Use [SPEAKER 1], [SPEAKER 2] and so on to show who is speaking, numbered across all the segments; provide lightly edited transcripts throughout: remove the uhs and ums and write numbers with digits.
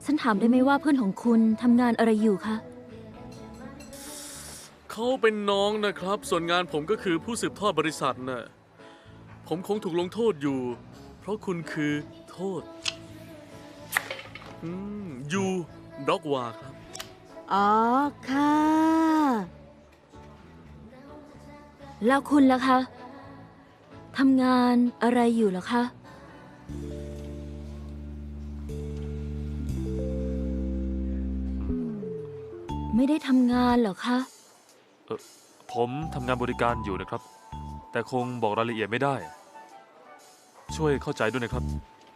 [SPEAKER 1] ฉันถามได้ไหมว่าเพื่อนของคุณทำงานอะไรอยู่คะ
[SPEAKER 2] เขาเป็นน้องนะครับ ส่วนงานผมก็คือผู้สืบทอดบริษัทน่ะผมคงถูกลงโทษอยู่ เพราะคุณคือโทษยูด็อกวาครับ
[SPEAKER 3] อ๋อค่ะ
[SPEAKER 1] แล้วคุณล่ะคะทำงานอะไรอยู่เหรอคะ ไม่ได้ทำงานเหรอคะ
[SPEAKER 4] ผมทำงานบริการอยู่นะครับ แต่คงบอกรายละเอียดไม่ได้ ช่วยเข้าใจด้วยนะครับ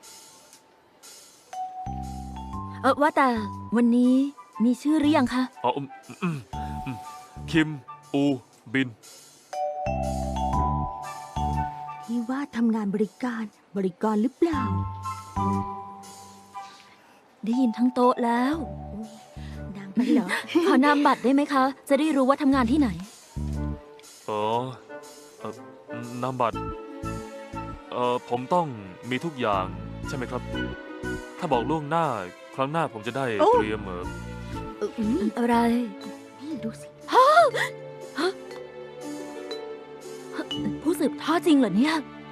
[SPEAKER 1] ว่าแต่วันนี้มีชื่อหรือยังคะ
[SPEAKER 4] อ๋อคิม อูบิน
[SPEAKER 3] พี่ว่าทำงานบริการหรือเปล่า
[SPEAKER 1] ได้ยินทั้งโต๊ะแล้ว
[SPEAKER 3] ดังไปเหรอ
[SPEAKER 1] ขอนามบัตรได้ไหมคะ จะได้รู้ว่าทำงานที่ไหน
[SPEAKER 4] อ๋อนามบัตรผมต้องมีทุกอย่างใช่ไหมครับ ถ้าบอกล่วงหน้าครั้งหน้าผมจะได้
[SPEAKER 3] โอ้
[SPEAKER 4] เตรียม
[SPEAKER 1] อะไร
[SPEAKER 3] พี่ดูสิ
[SPEAKER 1] ผู้สืบทอดจริงเหรอเนี่ย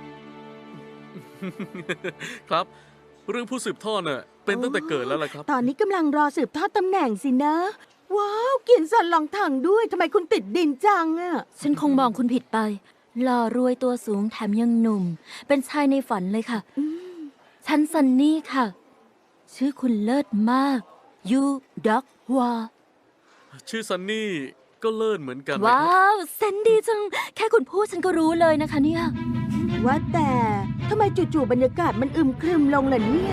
[SPEAKER 2] ครับ เรื่องผู้สืบทอดน่ะเป็นตั้งแต่เกิดแล้วล่ะครับ
[SPEAKER 3] ตอนนี้กำลังรอสืบทอดตำแหน่งสินะ ว้าวเกียนสันหลังถังด้วยทำไมคุณติดดินจังอะ
[SPEAKER 1] ฉันคงมองคุณผิดไป หล่อรวยตัวสูงแถมยังหนุ่ม เป็นชายในฝันเลยค่ะ ฉันซันนี่ค่ะ ชื่อคุณเลิศมากยูด็อกวา
[SPEAKER 2] ชื่อซันนี่ก็เลิศเหมือนกันนะ
[SPEAKER 1] ว้า
[SPEAKER 2] ครับ
[SPEAKER 1] วเซนดีจัง แค่คุณพูดฉันก็รู้เลยนะคะเนี่ย
[SPEAKER 3] ว่าแต่ทำไมจู่ๆบรรยากาศมันอึมครึมลงล่ะเนี่ย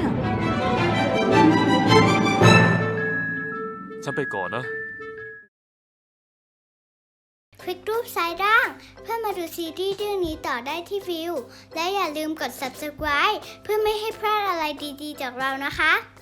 [SPEAKER 4] ฉันไปก่อนนะ
[SPEAKER 5] คลิกรูปซ้ายล่างเพื่อมาดูซีรีส์เรื่องนี้ต่อได้ที่วิว และอย่าลืมกด subscribe เพื่อไม่ให้พลาดอะไรดีๆจากเรานะคะ